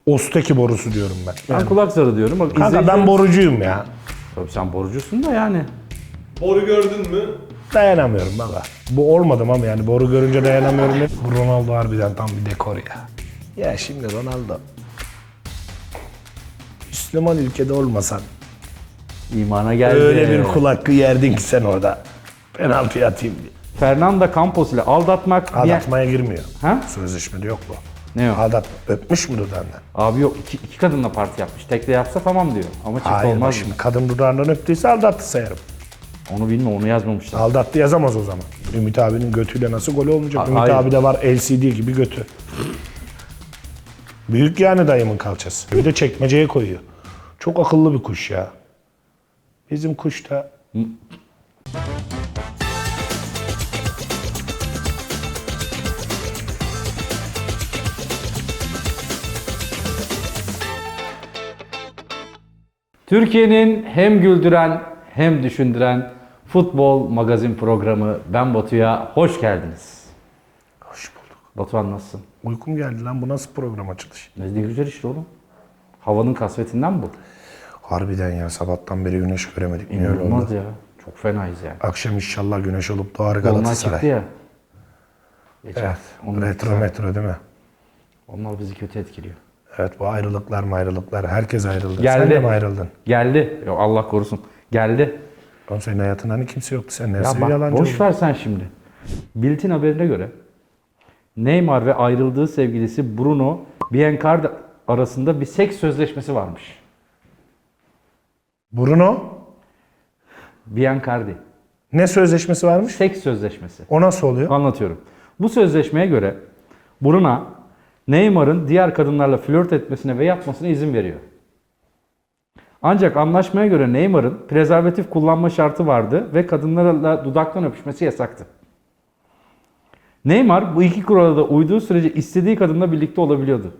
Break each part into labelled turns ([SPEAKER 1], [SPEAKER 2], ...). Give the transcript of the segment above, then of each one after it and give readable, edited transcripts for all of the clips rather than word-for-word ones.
[SPEAKER 1] Osteki borusu diyorum ben.
[SPEAKER 2] Ben kulak zarı diyorum. Bak,
[SPEAKER 1] Kanka ben borucuyum ya.
[SPEAKER 2] Tabii sen borucusun da yani.
[SPEAKER 3] Boru gördün mü?
[SPEAKER 1] Dayanamıyorum baba. Bu olmadım ama yani boru görünce dayanamıyorum. Bu Ronaldo harbiden tam bir dekor ya. Ya şimdi Ronaldo. Müslüman ülkede olmasan
[SPEAKER 2] İmana geldi.
[SPEAKER 1] öyle bir kul hakkı yerdin ki sen orada. Penaltı atayım diye.
[SPEAKER 2] Fernando Campos ile aldatmak.
[SPEAKER 1] Aldatmaya girmiyor.
[SPEAKER 2] Ha?
[SPEAKER 1] Sözleşmede yok bu.
[SPEAKER 2] Ne o?
[SPEAKER 1] Aldatma. Öpmüş mü dudağından?
[SPEAKER 2] Abi yok iki kadınla parti yapmış. Tek de yapsa tamam diyor. Ama çift
[SPEAKER 1] Hayır
[SPEAKER 2] olmaz
[SPEAKER 1] şimdi
[SPEAKER 2] mı?
[SPEAKER 1] kadın dudağından öptüyse aldattı sayarım.
[SPEAKER 2] Onu bilmiyorum, onu yazmamışlar.
[SPEAKER 1] Aldattı yazamaz o zaman. Ümit abinin götüyle nasıl gol olmayacak? Ümit
[SPEAKER 2] hayır.
[SPEAKER 1] abi de var LCD gibi götü. Büyük yani dayımın kalçası. Bir de çekmeceye koyuyor. Çok akıllı bir kuş ya. Bizim kuş da...
[SPEAKER 2] Türkiye'nin hem güldüren hem düşündüren futbol magazin programı Ben Batu'ya hoş geldiniz.
[SPEAKER 1] Hoş bulduk.
[SPEAKER 2] Batuhan nasılsın?
[SPEAKER 1] Uykum geldi lan, bu nasıl program açılış?
[SPEAKER 2] Ne güzel işte oğlum. Havanın kasvetinden bu.
[SPEAKER 1] Harbiden ya, sabahtan beri güneş göremedik. Niye öyle
[SPEAKER 2] İnanılmaz
[SPEAKER 1] oldu?
[SPEAKER 2] ya. Çok fenayız yani.
[SPEAKER 1] Akşam inşallah güneş olup doğar
[SPEAKER 2] Onlar
[SPEAKER 1] Galatasaray.
[SPEAKER 2] çıktı ya. Geçen.
[SPEAKER 1] Evet.
[SPEAKER 2] Onlar,
[SPEAKER 1] Retro değil mi?
[SPEAKER 2] onlar bizi kötü etkiliyor.
[SPEAKER 1] Evet, bu ayrılıklar. Herkes ayrıldı.
[SPEAKER 2] Geldi.
[SPEAKER 1] Sen de mi ayrıldın?
[SPEAKER 2] Geldi. Yok Allah korusun. Geldi.
[SPEAKER 1] Oğlum senin hayatında hani kimse yoktu. Sen
[SPEAKER 2] Ya
[SPEAKER 1] nasıl bir
[SPEAKER 2] bak
[SPEAKER 1] yalancı
[SPEAKER 2] boş
[SPEAKER 1] oldun?
[SPEAKER 2] ver sen şimdi. Bill'in haberine göre Neymar ve ayrıldığı sevgilisi Bruno Biancardi arasında bir seks sözleşmesi varmış.
[SPEAKER 1] Bruno
[SPEAKER 2] Biancardi.
[SPEAKER 1] ne sözleşmesi varmış?
[SPEAKER 2] Seks sözleşmesi.
[SPEAKER 1] O nasıl oluyor?
[SPEAKER 2] Anlatıyorum. Bu sözleşmeye göre Bruno Neymar'ın diğer kadınlarla flört etmesine ve yapmasına izin veriyor. Ancak anlaşmaya göre Neymar'ın prezervatif kullanma şartı vardı ve kadınlarla dudaktan öpüşmesi yasaktı. Neymar bu iki kurala da uyduğu sürece istediği kadınla birlikte olabiliyordu.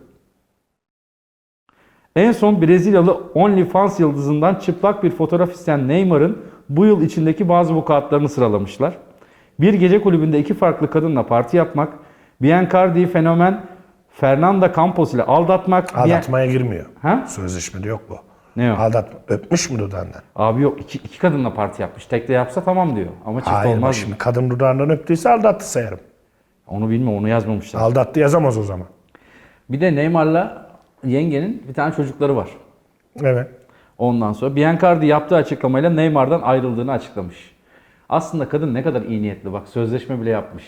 [SPEAKER 2] En son Brezilyalı OnlyFans yıldızından çıplak bir fotoğraf isteyen Neymar'ın bu yıl içindeki bazı vukuatlarını sıralamışlar. Bir gece kulübünde iki farklı kadınla parti yapmak, Biancardi'yi fenomen Fernando Campos ile aldatmak...
[SPEAKER 1] Aldatmaya girmiyor.
[SPEAKER 2] Ha?
[SPEAKER 1] Sözleşmede yok bu.
[SPEAKER 2] Ne o?
[SPEAKER 1] Aldatma. Öpmüş mü dudağından?
[SPEAKER 2] Abi yok iki kadınla parti yapmış. Tek de yapsa tamam diyor. Ama çift
[SPEAKER 1] Hayır,
[SPEAKER 2] olmaz
[SPEAKER 1] şimdi
[SPEAKER 2] mı?
[SPEAKER 1] kadın dudağından öptüyse aldattı sayarım.
[SPEAKER 2] Onu bilmiyorum, onu yazmamışlar.
[SPEAKER 1] Aldattı yazamaz o zaman.
[SPEAKER 2] Bir de Neymar'la yengenin bir tane çocukları var.
[SPEAKER 1] Evet.
[SPEAKER 2] Ondan sonra Biancardi yaptığı açıklamayla Neymar'dan ayrıldığını açıklamış. Aslında kadın ne kadar iyi niyetli, bak sözleşme bile yapmış.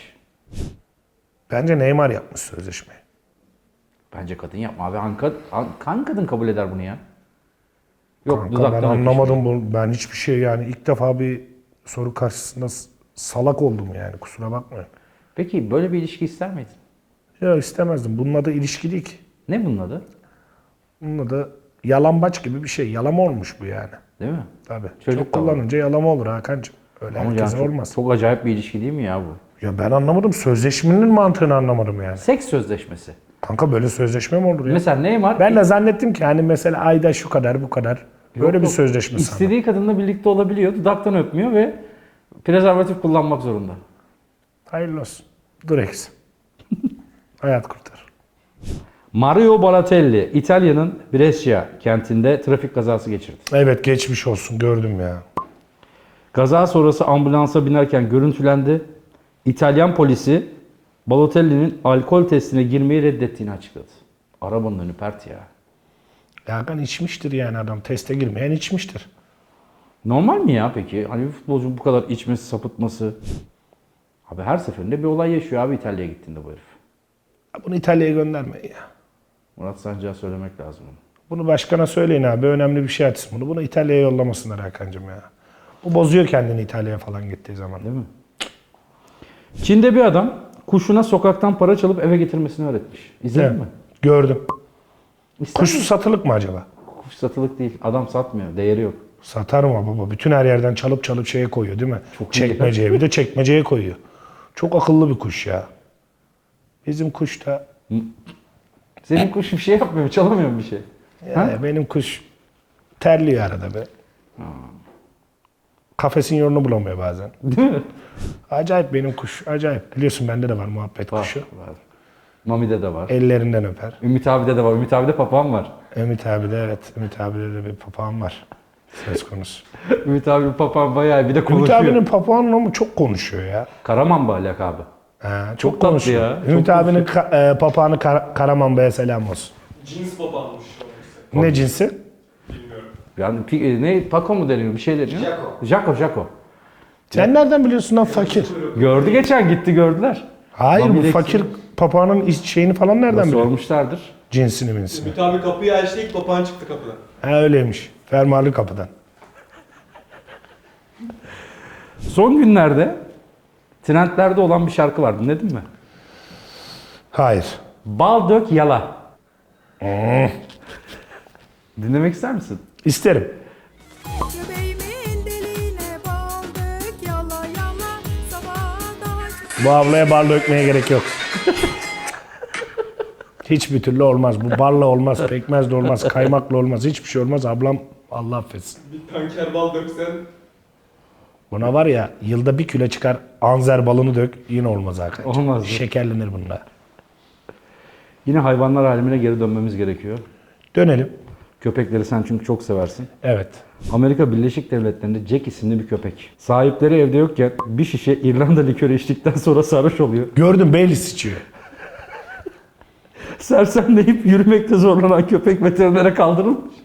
[SPEAKER 1] Bence Neymar yapmış sözleşmeyi.
[SPEAKER 2] Bence kadın yapma abi. Hangi kadın kabul eder bunu ya? Yok
[SPEAKER 1] Kanka
[SPEAKER 2] dudaktan
[SPEAKER 1] ben
[SPEAKER 2] öpüşme.
[SPEAKER 1] anlamadım bunu. Ben hiçbir şey yani ilk defa bir soru karşısında salak oldum yani, kusura bakmayın.
[SPEAKER 2] Peki böyle bir ilişki ister miydin?
[SPEAKER 1] Ya istemezdim. Bunun adı ilişki değil ki.
[SPEAKER 2] Ne bunun adı?
[SPEAKER 1] Bunun adı yalambaç gibi bir şey. Yalama olmuş bu yani.
[SPEAKER 2] Değil mi?
[SPEAKER 1] Tabii.
[SPEAKER 2] Çocuk
[SPEAKER 1] Çok
[SPEAKER 2] da var.
[SPEAKER 1] kullanınca yalama olur Hakan'cığım. Öyle
[SPEAKER 2] Ama
[SPEAKER 1] herkese
[SPEAKER 2] yani
[SPEAKER 1] olmaz.
[SPEAKER 2] çok acayip bir ilişki değil mi ya bu?
[SPEAKER 1] Ya ben anlamadım. Sözleşmenin mantığını anlamadım yani.
[SPEAKER 2] Seks sözleşmesi.
[SPEAKER 1] Kanka böyle sözleşme mi olur ya?
[SPEAKER 2] Mesela Neymar
[SPEAKER 1] Ben de zannettim ki hani mesela ayda şu kadar bu kadar. Böyle bir sözleşme sandım.
[SPEAKER 2] istediği kadınla birlikte olabiliyor. Dudaktan öpmüyor ve prezervatif kullanmak zorunda.
[SPEAKER 1] Hayırlı olsun. Durex. Hayat kurtar.
[SPEAKER 2] Mario Balotelli, İtalya'nın Brescia kentinde trafik kazası geçirdi.
[SPEAKER 1] Evet, geçmiş olsun, gördüm ya.
[SPEAKER 2] Kaza sonrası ambulansa binerken görüntülendi. İtalyan polisi Balotelli'nin alkol testine girmeyi reddettiğini açıkladı. Arabanın önü pert ya.
[SPEAKER 1] Ya Hakan içmiştir yani, adam teste girmeyen içmiştir.
[SPEAKER 2] Normal mi ya peki? Hani bir futbolcu bu kadar içmesi, sapıtması. Abi her seferinde bir olay yaşıyor abi İtalya'ya gittiğinde bu herif.
[SPEAKER 1] Bunu İtalya'ya göndermeyin ya.
[SPEAKER 2] Murat Sancı'ya söylemek lazım onu.
[SPEAKER 1] Bunu başkana söyleyin abi, önemli bir şey açsın bunu. Bunu İtalya'ya yollamasınlar Hakan'cığım ya. Bu bozuyor kendini İtalya'ya falan gittiği zaman.
[SPEAKER 2] Değil mi? Çin'de bir adam kuşuna sokaktan para çalıp eve getirmesini öğretmiş. İzledin
[SPEAKER 1] Evet,
[SPEAKER 2] mi?
[SPEAKER 1] gördüm.
[SPEAKER 2] İster
[SPEAKER 1] Kuş
[SPEAKER 2] misin?
[SPEAKER 1] satılık mı acaba?
[SPEAKER 2] Kuş satılık değil. Adam satmıyor. Değeri yok.
[SPEAKER 1] Satar mı baba? Bütün her yerden çalıp şeye koyuyor değil mi?
[SPEAKER 2] Çok iyi.
[SPEAKER 1] Çekmeceye, bir de çekmeceye koyuyor. Çok akıllı bir kuş ya. Bizim kuş da...
[SPEAKER 2] Senin kuş bir şey yapmıyor mu? Çalamıyor mu bir şey?
[SPEAKER 1] Ya benim kuş terliyor arada be. Kafesin yolunu bulamıyor bazen.
[SPEAKER 2] Değil mi?
[SPEAKER 1] Acayip benim kuş, acayip. Biliyorsun bende de var muhabbet kuşu.
[SPEAKER 2] Var. Mami'de de var.
[SPEAKER 1] Ellerinden öper.
[SPEAKER 2] Ümit abi'de de var. Ümit abi'de papağan var.
[SPEAKER 1] Ümit abi de evet. Ümit abide de bir papağan var. Söz konusu.
[SPEAKER 2] Ümit abinin papağan bayağı bir de
[SPEAKER 1] Ümit
[SPEAKER 2] konuşuyor.
[SPEAKER 1] abinin papağanı ama çok konuşuyor ya.
[SPEAKER 2] Karaman lakabı.
[SPEAKER 1] Ha,
[SPEAKER 2] Çok
[SPEAKER 1] çok
[SPEAKER 2] tatlı
[SPEAKER 1] konuşuyor.
[SPEAKER 2] ya,
[SPEAKER 1] Ümit
[SPEAKER 2] çok
[SPEAKER 1] abinin papağanı Karaman Bey'e selam olsun.
[SPEAKER 3] Cins papağanmış.
[SPEAKER 1] Ne cinsi?
[SPEAKER 3] Bilmiyorum.
[SPEAKER 2] Yani ne Paco mu deniyor? Bir şey deniyor. Jaco.
[SPEAKER 1] Sen nereden biliyorsun lan fakir?
[SPEAKER 2] Gördü geçen gitti gördüler.
[SPEAKER 1] Hayır bu
[SPEAKER 2] Mami'deki-
[SPEAKER 1] fakir papağanın şeyini falan nereden biliyor?
[SPEAKER 2] Sormuşlardır.
[SPEAKER 1] Cinsini minsini.
[SPEAKER 3] Ümit abi kapıyı açtı, ilk papağan çıktı kapıdan.
[SPEAKER 1] Ha öyleymiş. Fermuarlı kapıdan.
[SPEAKER 2] Son günlerde trendlerde olan bir şarkı var. Dinledin mi?
[SPEAKER 1] Hayır.
[SPEAKER 2] Bal dök yala. Dinlemek ister misin?
[SPEAKER 1] İsterim.
[SPEAKER 4] Göbeğimin deliğine baldık yala yala sabahdan.
[SPEAKER 1] Bu ablaya bal dökmeye gerek yok. Hiçbir türlü olmaz. Bu balla olmaz, pekmezle olmaz, kaymakla olmaz. Hiçbir şey olmaz. Ablam Allah affetsin.
[SPEAKER 3] Bir tanker bal döksen
[SPEAKER 1] Buna var ya yılda 1 kilo çıkar anzer balını dök yine olmaz arkadaşlar.
[SPEAKER 2] Olmaz.
[SPEAKER 1] Şekerlenir bunda.
[SPEAKER 2] Yine hayvanlar alemine geri dönmemiz gerekiyor.
[SPEAKER 1] Dönelim.
[SPEAKER 2] Köpekleri sen çünkü çok seversin.
[SPEAKER 1] Evet.
[SPEAKER 2] Amerika Birleşik Devletleri'nde Jack isimli bir köpek. Sahipleri evde yokken bir şişe İrlanda likörü içtikten sonra sarhoş oluyor.
[SPEAKER 1] Gördüm Baileys içiyor.
[SPEAKER 2] Sersemleyip yürümekte zorlanan köpek veterinere kaldırılmış.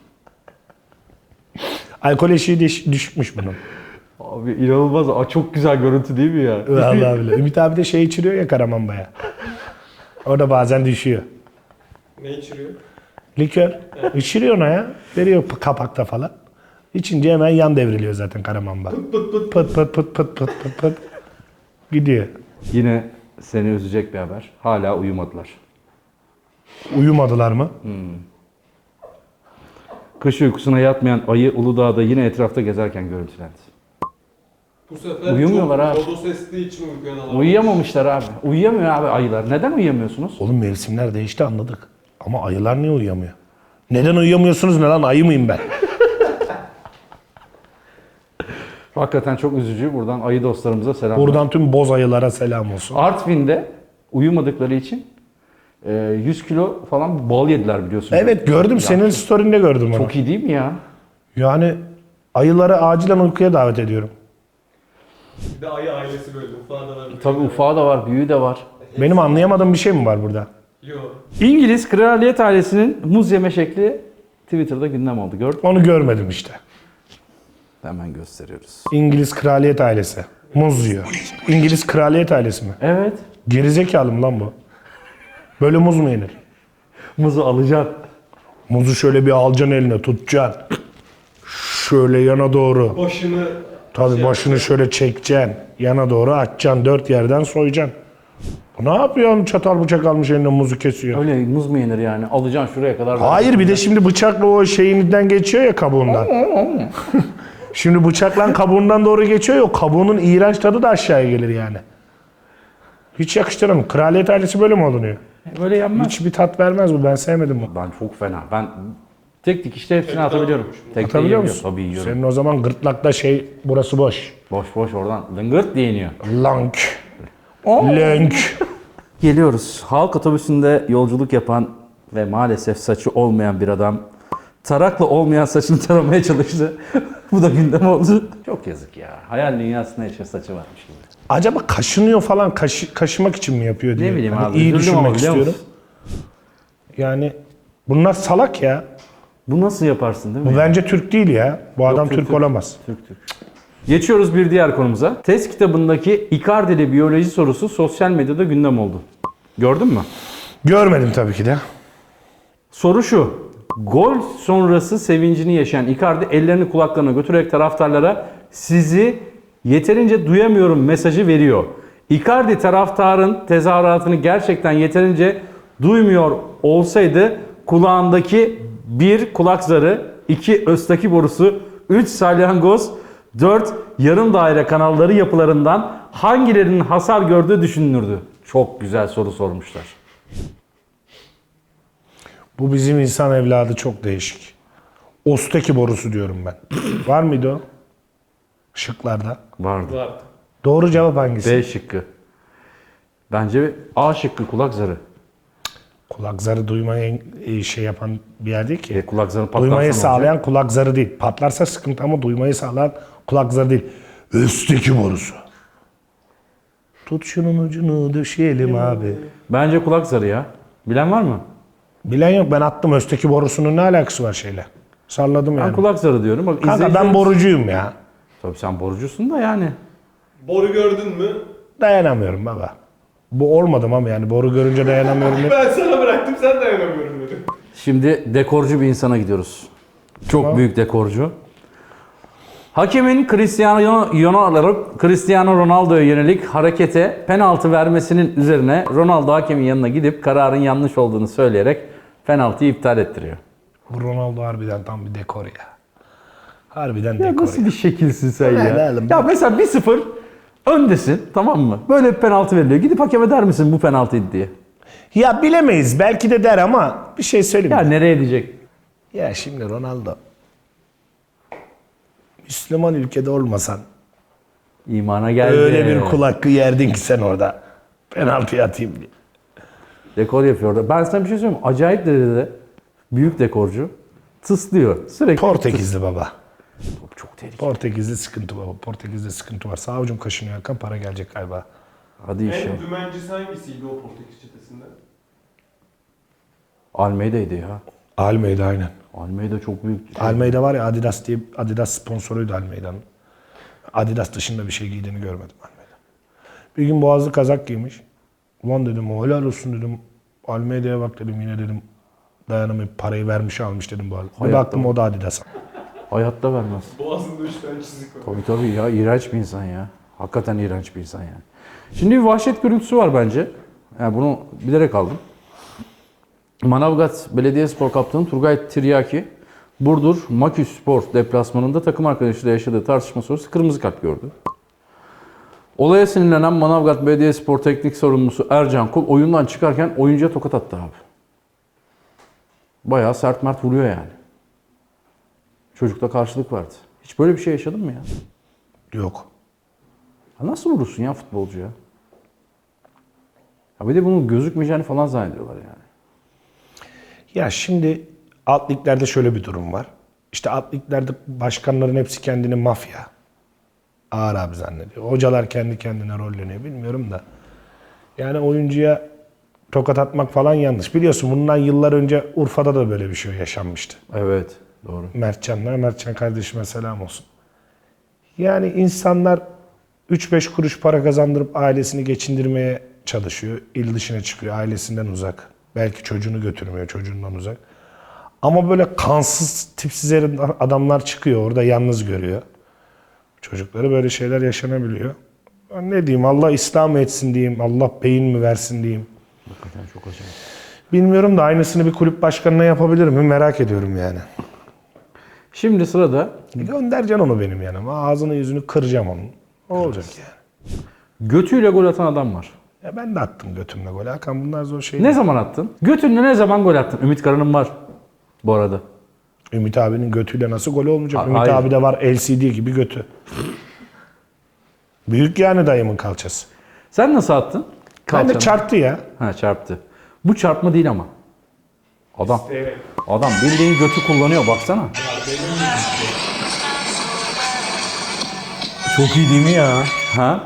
[SPEAKER 1] Alkol eşiği düşükmüş bunun.
[SPEAKER 2] Abi inanılmaz. Aa, çok güzel görüntü değil mi ya?
[SPEAKER 1] Vallahi bile. Ümit abi de şey içiriyor ya Karamanbaya. O da bazen düşüyor.
[SPEAKER 3] ne içiriyor?
[SPEAKER 1] Likör. İçiriyor ona ya. Veriyor kapakta falan. İçince hemen yan devriliyor zaten Karamanba. Pıt pıt pıt pıt pıt pıt pıt. Gidiyor.
[SPEAKER 2] Yine seni üzecek bir haber. Hala uyumadılar.
[SPEAKER 1] Uyumadılar mı?
[SPEAKER 2] Kış uykusuna yatmayan ayı Uludağ'da yine etrafta gezerken görüntülendi.
[SPEAKER 3] Bu sefer
[SPEAKER 2] Uyumuyorlar
[SPEAKER 3] çok
[SPEAKER 2] abi.
[SPEAKER 3] lodos estiği için uykuyan alamıyor.
[SPEAKER 2] Uyuyamamışlar abi. Uyuyamıyor abi ayılar. Neden uyuyamıyorsunuz?
[SPEAKER 1] Oğlum mevsimler değişti anladık. Ama ayılar niye uyuyamıyor? Neden uyuyamıyorsunuz ne lan? Ayı mıyım ben?
[SPEAKER 2] Hakikaten çok üzücü. Buradan ayı dostlarımıza selam.
[SPEAKER 1] Buradan tüm boz ayılara selam olsun.
[SPEAKER 2] Artvin'de uyumadıkları için 100 kilo falan bal yediler biliyorsun.
[SPEAKER 1] Evet gördüm. Senin story'inde gördüm onu.
[SPEAKER 2] Çok iyi değil mi ya?
[SPEAKER 1] Yani ayıları acilen uykuya davet ediyorum.
[SPEAKER 3] Bir de ayı ailesi böyle. Ufağı da var.
[SPEAKER 2] Tabii ufağı da var, büyüğü de var.
[SPEAKER 1] Benim anlayamadığım bir şey mi var burada?
[SPEAKER 3] Yok.
[SPEAKER 2] İngiliz kraliyet ailesinin muz yeme şekli Twitter'da gündem oldu. Gördün mü?
[SPEAKER 1] Onu görmedim işte.
[SPEAKER 2] Hemen gösteriyoruz.
[SPEAKER 1] İngiliz kraliyet ailesi. Muz yiyor. İngiliz kraliyet ailesi mi?
[SPEAKER 2] Evet.
[SPEAKER 1] Gerizekalı mı lan bu? Böyle muz mu yenir?
[SPEAKER 2] Muzu alacaksın.
[SPEAKER 1] Muzu şöyle bir alacaksın eline tutacaksın. Şöyle yana doğru.
[SPEAKER 3] Başını
[SPEAKER 1] Tabii başını şöyle çekeceksin. Yana doğru açacaksın. 4 yerden soyacaksın. Bu ne yapıyor? Çatal bıçak almış eline muzu kesiyor.
[SPEAKER 2] Öyle muz mu yenir yani? Alacaksın şuraya kadar.
[SPEAKER 1] Hayır bir de şimdi bıçakla o şeyinden geçiyor ya kabuğundan. Şimdi bıçakla kabuğundan doğru geçiyor ya o kabuğunun iğrenç tadı da aşağıya gelir yani. Hiç yakıştıramam. Kraliyet ailesi böyle mi olunuyor?
[SPEAKER 2] Böyle yenmez.
[SPEAKER 1] Hiçbir tat vermez bu. Ben sevmedim bunu.
[SPEAKER 2] Ben çok fena. Ben tek dikişte hepsini
[SPEAKER 3] Tek
[SPEAKER 2] atabiliyorum.
[SPEAKER 3] dağıtıyormuş.
[SPEAKER 2] Tek
[SPEAKER 1] Atabiliyor musun?
[SPEAKER 2] Tabii yiyorum.
[SPEAKER 1] Senin o zaman gırtlakta burası boş.
[SPEAKER 2] Boş boş oradan lıngırt diye iniyor.
[SPEAKER 1] Lank. Lönk.
[SPEAKER 2] Geliyoruz. Halk otobüsünde yolculuk yapan ve maalesef saçı olmayan bir adam tarakla olmayan saçını taramaya çalıştı. Bu da gündem oldu. Çok yazık ya. Hayal dünyasında yaşa saçı varmış gibi.
[SPEAKER 1] Acaba kaşınıyor falan kaşımak için mi yapıyor diye.
[SPEAKER 2] Ne bileyim
[SPEAKER 1] Hani
[SPEAKER 2] abi.
[SPEAKER 1] İyi
[SPEAKER 2] üzüldüm ama
[SPEAKER 1] düşünmek
[SPEAKER 2] biliyor
[SPEAKER 1] istiyorum.
[SPEAKER 2] musun?
[SPEAKER 1] Yani bunlar salak ya.
[SPEAKER 2] Bu nasıl yaparsın değil mi?
[SPEAKER 1] Bu bence Türk değil ya. Bu adam
[SPEAKER 2] Türk,
[SPEAKER 1] Türk
[SPEAKER 2] Türk.
[SPEAKER 1] olamaz.
[SPEAKER 2] Türk. Geçiyoruz bir diğer konumuza. Test kitabındaki Icardi'li biyoloji sorusu sosyal medyada gündem oldu. Gördün mü?
[SPEAKER 1] Görmedim tabii ki de.
[SPEAKER 2] Soru şu. Gol sonrası sevincini yaşayan Icardi ellerini kulaklarına götürerek taraftarlara sizi yeterince duyamıyorum mesajı veriyor. Icardi taraftarın tezahüratını gerçekten yeterince duymuyor olsaydı kulağındaki 1 kulak zarı, 2 östaki borusu, 3 salyangoz, 4 yarım daire kanalları yapılarından hangilerinin hasar gördüğü düşünülürdü. Çok güzel soru sormuşlar.
[SPEAKER 1] Bu bizim insan evladı çok değişik. Osteki borusu diyorum ben. Var mıydı o? Şıklarda.
[SPEAKER 2] Vardı.
[SPEAKER 3] var.
[SPEAKER 1] Doğru cevap hangisi?
[SPEAKER 2] B şıkkı. Bence A şıkkı kulak zarı.
[SPEAKER 1] Kulak zarı duymayı şey yapan bir yer değil ki.
[SPEAKER 2] Kulak zarı patlarsa
[SPEAKER 1] Duymayı
[SPEAKER 2] ne olacak?
[SPEAKER 1] sağlayan kulak zarı değil. Patlarsa sıkıntı ama duymayı sağlayan kulak zarı değil. Üstteki borusu. Tut şunun ucunu döşeyelim abi.
[SPEAKER 2] Bence kulak zarı ya. Bilen var mı?
[SPEAKER 1] Bilen yok, ben attım. Üstteki borusunun ne alakası var şeyle? Salladım
[SPEAKER 2] Ben
[SPEAKER 1] yani.
[SPEAKER 2] kulak zarı diyorum. Bak,
[SPEAKER 1] Kanka ben
[SPEAKER 2] izleyicilerimiz-
[SPEAKER 1] borucuyum ya.
[SPEAKER 2] Tabii sen borucusun da yani.
[SPEAKER 3] Boru gördün mü?
[SPEAKER 1] Dayanamıyorum baba. Bu olmadım ama yani boru görünce dayanamıyorum.
[SPEAKER 3] Ben sana bıraktım sen dayanamıyorum dedim.
[SPEAKER 2] Şimdi dekorcu bir insana gidiyoruz. Çok büyük dekorcu. Hakemin Cristiano Ronaldo'ya yönelik harekete penaltı vermesinin üzerine Ronaldo hakemin yanına gidip kararın yanlış olduğunu söyleyerek penaltıyı iptal ettiriyor.
[SPEAKER 1] Bu Ronaldo harbiden tam bir dekor ya. Harbiden
[SPEAKER 2] Ya
[SPEAKER 1] dekor
[SPEAKER 2] nasıl
[SPEAKER 1] ya.
[SPEAKER 2] bir şekilsin sen
[SPEAKER 1] Ne
[SPEAKER 2] ya?
[SPEAKER 1] oğlum?
[SPEAKER 2] Ya mesela 1-0 öndesin, tamam mı? Böyle bir penaltı veriliyor. Gidip hakeme der misin bu penaltıydı diye?
[SPEAKER 1] Ya bilemeyiz. Belki de der ama bir şey söyleyeyim.
[SPEAKER 2] Ya
[SPEAKER 1] mi?
[SPEAKER 2] nereye diyecek?
[SPEAKER 1] Ya şimdi Ronaldo Müslüman ülkede olmasan
[SPEAKER 2] İmana geldi.
[SPEAKER 1] öyle bir kul hakkı yerdin ki sen orada. Penaltı atayım diye.
[SPEAKER 2] Dekor yapıyor orada. Ben sana bir şey söyleyeyim mi? Acayip derecede büyük dekorcu. Tıslıyor. Sürekli
[SPEAKER 1] Portekizli baba.
[SPEAKER 2] Çok tehlikeli.
[SPEAKER 1] Portekizli sıkıntı baba. Portekizli sıkıntı var. Sağ avucum kaşınıyor Hakan, para gelecek galiba.
[SPEAKER 2] Hadi inşallah.
[SPEAKER 3] En dümencisi hangisiydi o Portekiz çetesinde?
[SPEAKER 2] Almeida'ydı ya.
[SPEAKER 1] Almeida aynen.
[SPEAKER 2] Almeida çok büyük.
[SPEAKER 1] Almeida var ya, Adidas diye, Adidas sponsoruydu Almeida'nın. Adidas dışında bir şey giydiğini görmedim Almeida. Bir gün boğazlı kazak giymiş. Ulan dedim helal olsun dedim. Almeida'ya bak dedim, yine dedim dayanamayıp parayı vermiş almış dedim bu arada. Bir
[SPEAKER 2] Hayatta
[SPEAKER 1] baktım o da Adidas'a.
[SPEAKER 2] Hayatta vermez.
[SPEAKER 3] Boğazında 3 tane çizik var.
[SPEAKER 2] Tabii ya, iğrenç bir insan ya. Hakikaten iğrenç bir insan yani. Şimdi bir vahşet görüntüsü var bence. Yani bunu bilerek aldım. Manavgat Belediyespor Kaptanı Turgay Tiryaki, Burdur Maküs Spor deplasmanında takım arkadaşıyla yaşadığı tartışma sonrası kırmızı kart gördü. Olaya sinirlenen Manavgat Belediyespor Teknik Sorumlusu Ercan Kul oyundan çıkarken oyuncuya tokat attı abi. Bayağı sert mert vuruyor yani. Çocukta karşılık vardı. Hiç böyle bir şey yaşadın mı ya?
[SPEAKER 1] Yok.
[SPEAKER 2] Ya nasıl vurursun ya futbolcuya? Ya bir de bunun gözükmeyeceğini falan zannediyorlar yani.
[SPEAKER 1] Ya şimdi alt liglerde şöyle bir durum var. İşte alt liglerde başkanların hepsi kendini mafya, ağır abi zannediyor. Hocalar kendi kendine rolleniyor, bilmiyorum da. Yani oyuncuya tokat atmak falan yanlış. Biliyorsun bundan yıllar önce Urfa'da da böyle bir şey yaşanmıştı.
[SPEAKER 2] Evet, doğru.
[SPEAKER 1] Mertcan kardeşime selam olsun. Yani insanlar 3-5 kuruş para kazandırıp ailesini geçindirmeye çalışıyor. İl dışına çıkıyor, ailesinden uzak. Belki çocuğunu götürmüyor, çocuğundan uzak. Ama böyle kansız, tipsiz adamlar çıkıyor orada, yalnız görüyor. Çocukları, böyle şeyler yaşanabiliyor. Ben ne diyeyim, Allah İslam etsin diyeyim, Allah beyin mi versin diyeyim.
[SPEAKER 2] Hakikaten çok acayip.
[SPEAKER 1] Bilmiyorum da aynısını bir kulüp başkanına yapabilir mi, merak ediyorum yani.
[SPEAKER 2] Şimdi sırada
[SPEAKER 1] Göndereceksin onu benim yanıma, ağzını yüzünü kıracağım onun. Ne olacak yani?
[SPEAKER 2] götüyle gol atan adam var.
[SPEAKER 1] Ya ben de attım götümle gol. Hakan bunlar zor şey
[SPEAKER 2] Ne
[SPEAKER 1] değil.
[SPEAKER 2] zaman attın? Götünle ne zaman gol attın? Ümit Karan'ın var bu arada.
[SPEAKER 1] Ümit abinin götüyle nasıl gol olmayacak? Ümit
[SPEAKER 2] hayır.
[SPEAKER 1] abi de var LCD gibi götü. Büyük yani dayımın kalçası.
[SPEAKER 2] Sen nasıl attın?
[SPEAKER 1] Ben de
[SPEAKER 2] Kalçanı.
[SPEAKER 1] çarptı ya.
[SPEAKER 2] Ha, çarptı. Bu çarpma değil ama. Adam.
[SPEAKER 3] Evet.
[SPEAKER 2] Adam bildiğin götü kullanıyor, baksana.
[SPEAKER 1] Çok iyi değil mi ya?
[SPEAKER 2] Ha?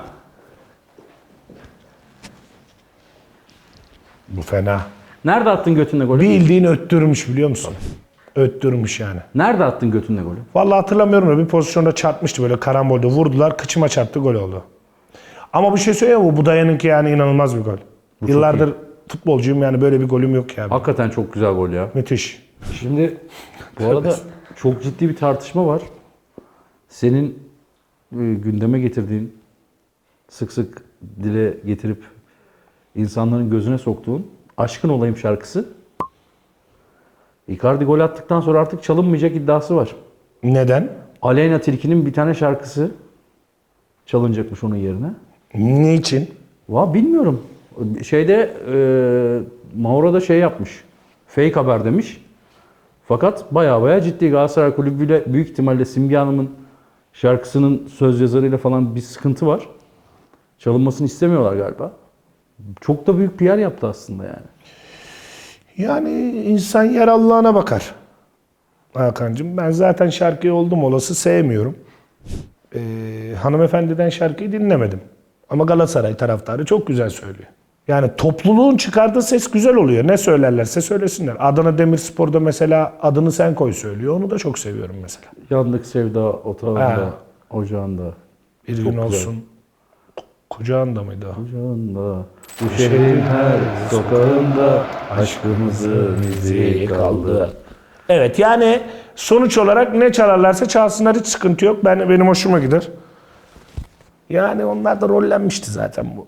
[SPEAKER 1] Bu fena.
[SPEAKER 2] Nerede attın götünle golü?
[SPEAKER 1] Bildiğin öttürmüş biliyor musun? Öttürmüş yani.
[SPEAKER 2] Nerede attın götünle golü?
[SPEAKER 1] Vallahi hatırlamıyorum da bir pozisyonda çarpmıştı, böyle karambolde vurdular, kıçıma çarptı, gol oldu. Ama bir şey söyleyeyim mi? Bu dayanınki yani inanılmaz bir gol. Yıllardır futbolcuyum yani, böyle bir golüm yok ya.
[SPEAKER 2] Hakikaten çok güzel gol ya.
[SPEAKER 1] Müthiş.
[SPEAKER 2] Şimdi bu arada çok ciddi bir tartışma var. Senin gündeme getirdiğin, sık sık dile getirip insanların gözüne soktuğun Aşkın Olayım şarkısı. Icardi gol attıktan sonra artık çalınmayacak iddiası var.
[SPEAKER 1] Neden?
[SPEAKER 2] Aleyna Tilki'nin bir tane şarkısı çalınacakmış onun yerine.
[SPEAKER 1] Niçin?
[SPEAKER 2] Bilmiyorum. Şeyde Mauro da şey yapmış. Fake haber demiş. Fakat baya ciddi, Galatasaray Kulübü'yle büyük ihtimalle Simge Hanım'ın şarkısının söz yazarıyla falan bir sıkıntı var. Çalınmasını istemiyorlar galiba. Çok da büyük PR yaptı aslında yani.
[SPEAKER 1] Yani insan yer Allah'ına bakar. Hakan'cığım ben zaten şarkıyı oldum olası sevmiyorum. Hanımefendiden şarkıyı dinlemedim. Ama Galatasaray taraftarı çok güzel söylüyor. Yani topluluğun çıkardığı ses güzel oluyor. Ne söylerlerse söylesinler. Adana Demirspor'da mesela adını sen koy söylüyor. Onu da çok seviyorum mesela.
[SPEAKER 2] Yandık sevda otağında,
[SPEAKER 1] Ha.
[SPEAKER 2] ocağında.
[SPEAKER 1] Bir
[SPEAKER 2] Çok
[SPEAKER 1] gün
[SPEAKER 2] güzel.
[SPEAKER 1] olsun. Kucağında mıydı o?
[SPEAKER 2] Ocağında, bu şehrin her sokağında aşkımızın izi kaldı.
[SPEAKER 1] Evet yani sonuç olarak ne çalarlarsa çalsınlar hiç sıkıntı yok. Benim hoşuma gider. Yani onlar da rollenmişti zaten bu.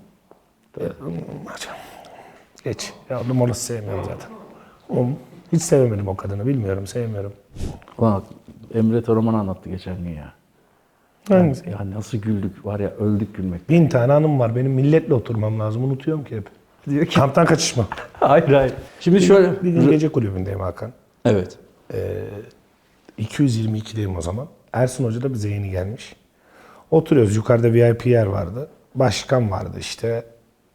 [SPEAKER 1] Geç. Ya oğlum onu sevmiyorum zaten. Hiç sevemedim o kadını. Bilmiyorum, sevmiyorum.
[SPEAKER 2] Bak Emre Toraman anlattı geçen gün ya.
[SPEAKER 1] Hangisi?
[SPEAKER 2] Ya nasıl güldük var ya, öldük gülmek.
[SPEAKER 1] 1000 tane hanım var. Benim milletle oturmam lazım. Unutuyorum ki hep.
[SPEAKER 2] Diyor ki
[SPEAKER 1] Kamptan kaçışma.
[SPEAKER 2] hayır hayır. Şimdi şöyle.
[SPEAKER 1] Bir gün gece kulübündeyim Hakan.
[SPEAKER 2] Evet.
[SPEAKER 1] 222'deyim o zaman. Ersun Hoca da bize yeni gelmiş. Oturuyoruz. Yukarıda VIP yer vardı. Başkan vardı işte.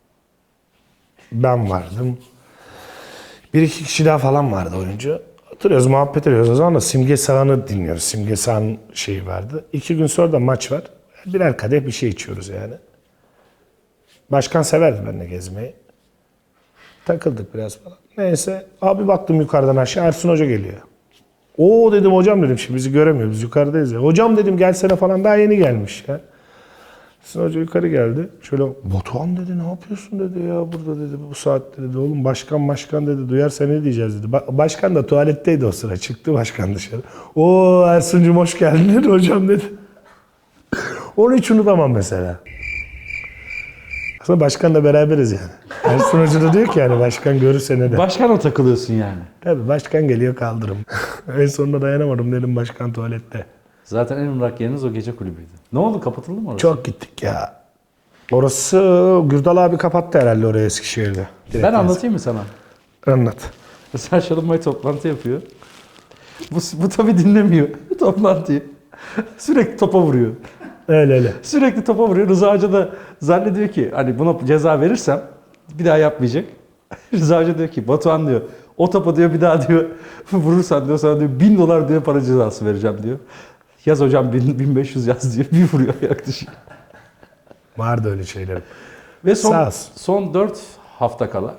[SPEAKER 1] Ben vardım. Bir iki kişi daha falan vardı oyuncu. Oturuyoruz, muhabbet ediyoruz. O zaman da Simge Sağan'ı dinliyoruz. Simge Sağan şeyi vardı. 2 gün sonra da maç var. Birer kadeh bir şey içiyoruz yani. Başkan severdi benimle gezmeyi. Takıldık biraz falan. Neyse. Abi baktım yukarıdan aşağı Ersun Hoca geliyor. Oo dedim hocam dedim şimdi bizi göremiyor. Biz yukarıdayız ya. Hocam dedim gelsene falan daha yeni gelmiş ya. Ersun Hoca yukarı geldi. Şöyle Batuhan dedi ne yapıyorsun dedi ya burada dedi bu saatte dedi. Oğlum başkan dedi duyarsa ne diyeceğiz dedi. Başkan da tuvaletteydi o sıra. Çıktı başkan dışarı. Oo Ersun'cum hoş geldin dedi hocam dedi. Onu hiç unutamam mesela. Aslında başkanla beraberiz yani. Ersun Hoca da diyor ki yani başkan görürse ne der.
[SPEAKER 2] Başkana takılıyorsun yani.
[SPEAKER 1] Tabii başkan geliyor kaldırım. En sonunda dayanamadım dedim başkan tuvalette.
[SPEAKER 2] Zaten en ırak yeriniz o gece kulübüydü. Ne oldu, kapatıldı mı orası?
[SPEAKER 1] Çok gittik ya. Orası Gürdal abi kapattı herhalde oraya Eskişehir'de. Direkt
[SPEAKER 2] Ben anlatayım mı sana?
[SPEAKER 1] Anlat.
[SPEAKER 2] Mesela Şalınbay toplantı yapıyor. Bu tabii dinlemiyor toplantıyı. Sürekli topa vuruyor.
[SPEAKER 1] Öyle.
[SPEAKER 2] Sürekli topa vuruyor. Rıza Hoca da zannediyor ki hani buna ceza verirsem bir daha yapmayacak. Rıza Hoca diyor ki Batuhan diyor o topa diyor bir daha diyor vurursan diyor sana diyor $1000 diyor para cezası vereceğim diyor. Yaz hocam 1500 yaz diyor. Bir vuruyor ayak dışı.
[SPEAKER 1] Vardı öyle şeyler.
[SPEAKER 2] Ve
[SPEAKER 1] Sağ olsun.
[SPEAKER 2] son 4 hafta kala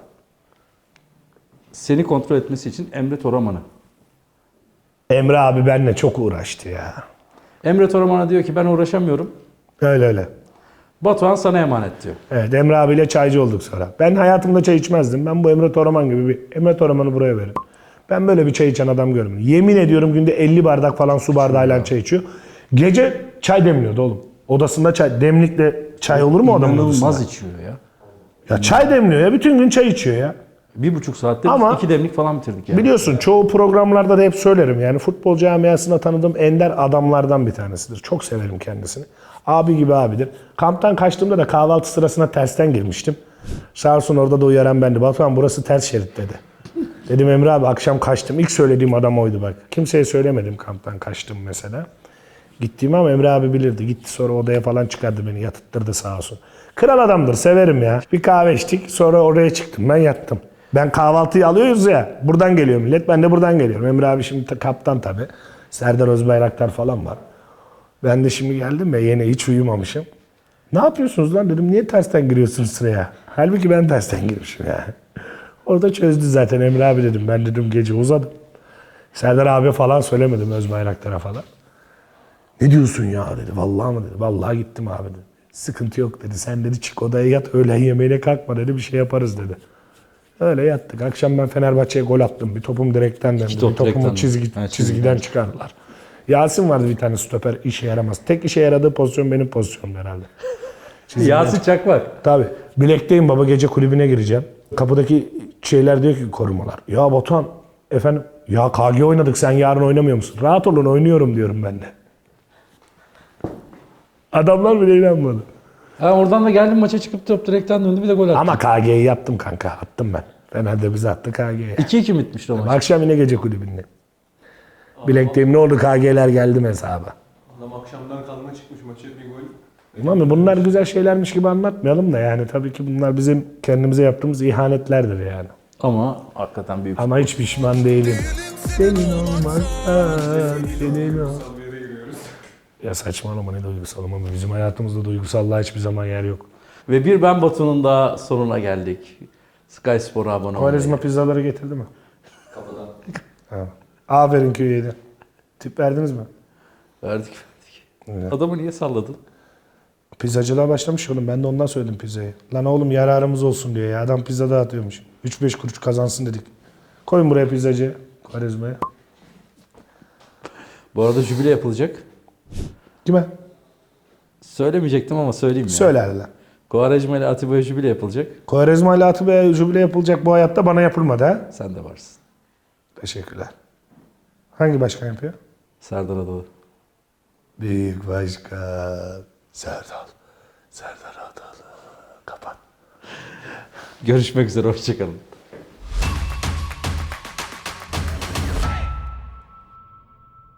[SPEAKER 2] seni kontrol etmesi için Emre Toraman'ı.
[SPEAKER 1] Emre abi benimle çok uğraştı ya.
[SPEAKER 2] Emre Toraman'a diyor ki ben uğraşamıyorum.
[SPEAKER 1] Öyle.
[SPEAKER 2] Batuhan sana emanet diyor.
[SPEAKER 1] Evet Emre abiyle çaycı olduk sonra. Ben hayatımda çay içmezdim. Ben bu Emre Toraman gibi bir Emre Toraman'ı buraya verin. Ben böyle bir çay içen adam görmedim. Yemin ediyorum günde 50 bardak falan su bardağıyla çay içiyor. Gece çay demliyordu oğlum. Odasında çay, demlikle çay olur mu adamın odasında?
[SPEAKER 2] İnanılmaz içiyor ya.
[SPEAKER 1] Ya çay demliyor ya. Bütün gün çay içiyor ya.
[SPEAKER 2] 1,5 saatte
[SPEAKER 1] Ama-
[SPEAKER 2] 2 demlik falan bitirdik yani.
[SPEAKER 1] Biliyorsun çoğu programlarda da hep söylerim. Yani futbol camiasında tanıdığım ender adamlardan bir tanesidir. Çok severim kendisini. Abi gibi abidir. Kamptan kaçtığımda da kahvaltı sırasına tersten girmiştim. Sağ olsun orada da uyaran bendi. Batuhan burası ters şerit dedi. Dedim Emre abi akşam kaçtım. İlk söylediğim adam oydu bak. Kimseye söylemedim kamptan kaçtım mesela. Gittiğimi ama Emre abi bilirdi. Gitti sonra odaya falan çıkardı beni. Yatıttırdı sağ olsun. Kral adamdır severim ya. Bir kahve içtik sonra oraya çıktım ben yattım. Ben kahvaltıyı alıyoruz ya. Buradan geliyor millet. Ben de buradan geliyorum. Emre abi şimdi kaptan tabii. Serdar Özbayraktar falan var. Ben de şimdi geldim ya yine hiç uyumamışım. Ne yapıyorsunuz lan dedim. Niye tersten giriyorsunuz sıraya? Halbuki ben tersten girmişim ya. Orada çözdü zaten Emre abi dedim. Ben dedim gece uzadım. Serdar abi falan söylemedim Özbayraktar'a falan. Ne diyorsun ya dedi. Vallahi mı dedi. Vallahi gittim abi dedi. Sıkıntı yok dedi. Sen dedi çık odaya yat öğlen yemeğine kalkma dedi. Bir şey yaparız dedi. Öyle yattık. Akşam ben Fenerbahçe'ye gol attım. Bir topum direkten döndü.
[SPEAKER 2] top
[SPEAKER 1] Bir topumu
[SPEAKER 2] direkten döndü.
[SPEAKER 1] çizgiden
[SPEAKER 2] çizgiden.
[SPEAKER 1] çıkardılar. Yasin vardı bir tane stoper işe yaramaz. Tek işe yaradığı pozisyon benim pozisyonum herhalde.
[SPEAKER 2] Yasin Çakmak.
[SPEAKER 1] Tabii. Bilekteyim baba gece kulübüne gireceğim. Kapıdaki şeyler diyor ki korumalar. Ya Batuhan efendim ya KG oynadık sen yarın oynamıyor musun? Rahat olun oynuyorum diyorum ben de. Adamlar bile inanmadı.
[SPEAKER 2] Ha, oradan da geldim maça çıkıp top direkten döndü bir de gol attı.
[SPEAKER 1] Ama KG'yi yaptım kanka. Attım ben. Fener'de bizi attı KG'ye.
[SPEAKER 2] 2-2 bitmişti o maç.
[SPEAKER 1] Akşam yine gece kulübünde. Bilekteyim ne oldu KG'ler geldim hesaba.
[SPEAKER 3] Adam akşamdan kalma çıkmış maçı bir gol.
[SPEAKER 1] Ama bunlar güzel şeylermiş gibi anlatmayalım da yani tabii ki bunlar bizim kendimize yaptığımız ihanetlerdir yani.
[SPEAKER 2] Ama hakikaten büyük.
[SPEAKER 1] Ama hiç pişman değilim. Senin olmazsan, senin ol.
[SPEAKER 3] Bir yere giriyoruz.
[SPEAKER 1] Ya saçmalama ne duygusal ama bizim hayatımızda duygusallığa hiçbir zaman yer yok.
[SPEAKER 2] Ve bir Ben Batu'nun da sonuna geldik. Sky Spor'a abone olmayı.
[SPEAKER 1] Kovarezma pizzaları getirdi mi?
[SPEAKER 3] Kapıdan.
[SPEAKER 1] Ha. Aferin köyüydü. Tip verdiniz mi?
[SPEAKER 2] Verdik.
[SPEAKER 1] Evet.
[SPEAKER 2] Adamı niye salladın?
[SPEAKER 1] Pizzacılığa başlamış oğlum. Ben de ondan söyledim pizzayı. Lan oğlum yararımız olsun diyor ya. Adam pizza dağıtıyormuş. 3-5 kuruş kazansın dedik. Koyun buraya pizzacı. Kovarezma'ya.
[SPEAKER 2] Bu arada jübile yapılacak.
[SPEAKER 1] Kime?
[SPEAKER 2] Söylemeyecektim ama söyleyeyim ya.
[SPEAKER 1] Söyle hadi lan.
[SPEAKER 2] Quaresma ile Atiba'ya jübile yapılacak.
[SPEAKER 1] Kovarezma ile Atıbey'e jübile yapılacak bu hayatta bana yapılmadı ha.
[SPEAKER 2] Sen de varsın.
[SPEAKER 1] Teşekkürler. Hangi başkan yapıyor?
[SPEAKER 2] Serdar Adalı.
[SPEAKER 1] Büyük başkan. Serdar. Serdar Adalı. Kapat.
[SPEAKER 2] Görüşmek üzere. Hoşçakalın.